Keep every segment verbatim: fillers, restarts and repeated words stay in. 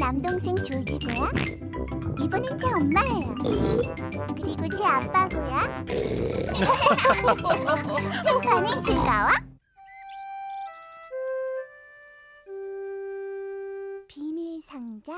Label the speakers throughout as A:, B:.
A: 남동생 조지고요. 이분은 제 엄마예요. 그리고 제 아빠고요. 평판은 즐거워? 비밀 상자?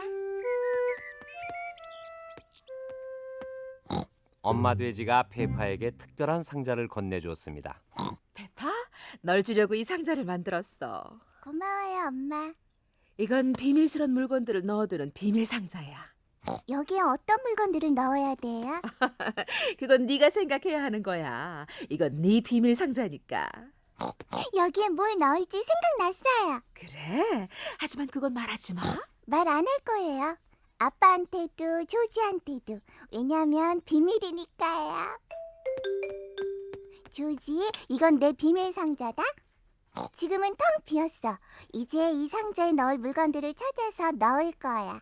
B: 엄마 돼지가 페파에게 특별한 상자를 건네주었습니다.
C: 페파, 널 주려고 이 상자를 만들었어.
A: 고마워요, 엄마.
C: 이건 비밀스러운 물건들을 넣어두는 비밀 상자야.
A: 여기에 어떤 물건들을 넣어야 돼요?
C: 그건 네가 생각해야 하는 거야. 이건 네 비밀 상자니까.
A: 여기에 뭘 넣을지 생각났어요.
C: 그래? 하지만 그건 말하지 마.
A: 말 안 할 거예요. 아빠한테도 조지한테도. 왜냐면 비밀이니까요. 조지, 이건 내 비밀 상자다. 지금은 텅 비었어. 이제 이 상자에 넣을 물건들을 찾아서 넣을 거야.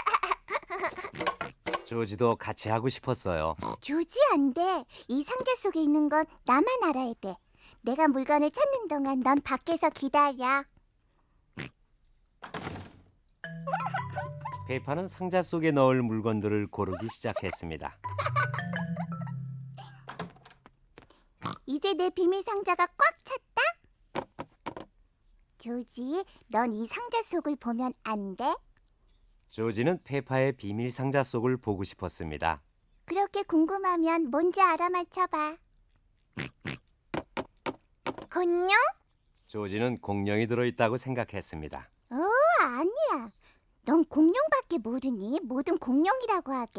B: 조지도 같이 하고 싶었어요.
A: 조지, 안 돼. 이 상자 속에 있는 건 나만 알아야 돼. 내가 물건을 찾는 동안 넌 밖에서 기다려.
B: 페파는 상자 속에 넣을 물건들을 고르기 시작했습니다.
A: 이제 내 비밀 상자가 꽉 찼다. 조지, 넌 이 상자 속을 보면 안 돼?
B: 조지는 페파의 비밀 상자 속을 보고 싶었습니다.
A: 그렇게 궁금하면 뭔지 알아맞혀봐. 공룡?
B: 조지는 공룡이 들어있다고 생각했습니다.
A: 오, 아니야. 넌 공룡밖에 모르니? 뭐든 공룡이라고 하게.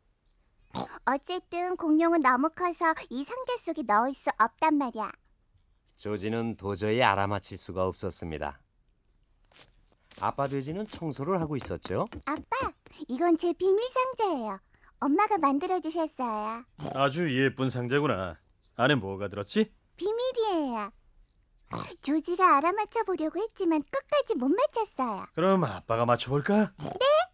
A: 어쨌든 공룡은 너무 커서 이 상자 속에 넣을 수 없단 말이야.
B: 조지는 도저히 알아맞힐 수가 없었습니다. 아빠 돼지는 청소를 하고 있었죠.
A: 아빠, 이건 제 비밀 상자예요. 엄마가 만들어주셨어요.
D: 아주 예쁜 상자구나. 안에 뭐가 들었지?
A: 비밀이에요. 조지가 알아맞혀 보려고 했지만 끝까지 못 맞췄어요.
D: 그럼 아빠가 맞춰볼까? 네.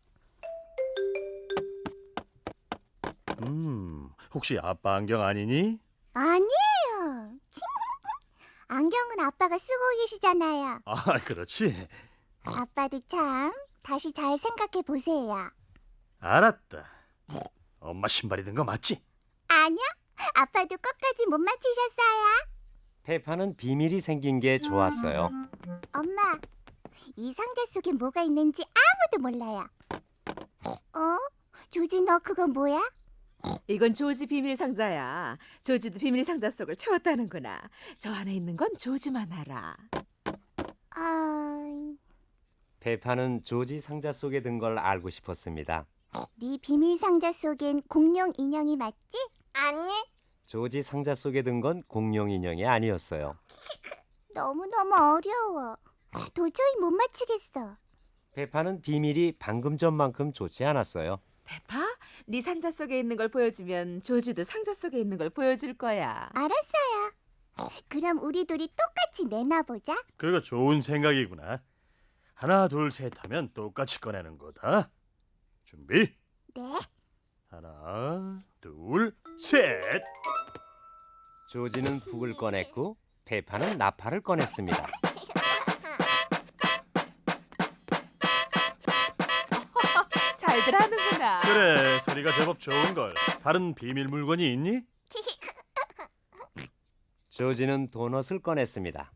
D: 음, 혹시 아빠 안경 아니니?
A: 아니에요. 안경은 아빠가 쓰고 계시잖아요.
D: 아, 그렇지.
A: 아빠도 참 다시 잘 생각해 보세요.
D: 알았다. 엄마 신발이 든 거 맞지?
A: 아니요, 아빠도 끝까지 못 맞히셨어요.
B: 페파는 비밀이 생긴 게 좋았어요.
A: 엄마, 이 상자 속에 뭐가 있는지 아무도 몰라요. 어? 조지, 너 그거 뭐야?
C: 이건 조지 비밀 상자야. 조지도 비밀 상자 속을 채웠다는구나. 저 안에 있는 건 조지만 알아.
A: 아,
B: 페파는 조지 상자 속에 든 걸 알고 싶었습니다.
A: 네 비밀 상자 속엔 공룡 인형이 맞지? 아니.
B: 조지 상자 속에 든 건 공룡 인형이 아니었어요.
A: 너무너무 어려워. 도저히 못 맞히겠어.
B: 페파는 비밀이 방금 전만큼 좋지 않았어요.
C: 페파, 네 상자 속에 있는 걸 보여주면 조지도 상자 속에 있는 걸 보여줄 거야.
A: 알았어요. 그럼 우리 둘이 똑같이 내놔보자.
D: 그거 좋은 생각이구나. 하나, 둘, 셋 하면 똑같이 꺼내는 거다. 준비.
A: 네.
D: 하나, 둘, 셋.
B: 조지는 북을 꺼냈고 페파는 나팔을 꺼냈습니다.
C: 잘들 하는구나.
D: 그래, 소리가 제법 좋은 걸. 다른 비밀 물건이 있니?
B: 조지는 도넛을 꺼냈습니다.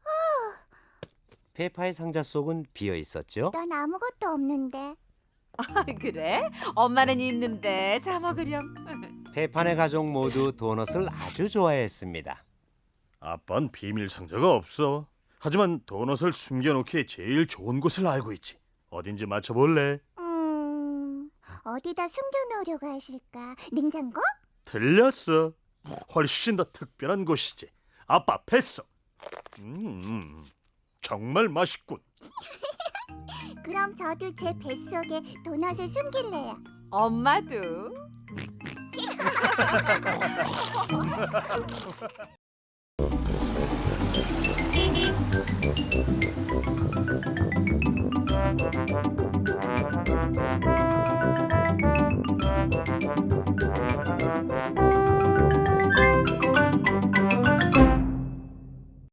B: 페파의 상자 속은 비어 있었죠.
A: 난 아무것도 없는데.
C: 아, 그래? 엄마는 있는데 자 먹으렴.
B: 페파네 가족 모두 도넛을 아주 좋아했습니다.
D: 아빠는 비밀 상자가 없어. 하지만 도넛을 숨겨놓기에 제일 좋은 곳을 알고 있지. 어딘지 맞춰볼래?
A: 음, 어디다 숨겨놓으려고 하실까? 냉장고?
D: 틀렸어. 훨씬 더 특별한 곳이지. 아빠 뱃속. 음, 정말 맛있군.
A: 그럼 저도 제 뱃속에 도넛을 숨길래요.
C: 엄마도.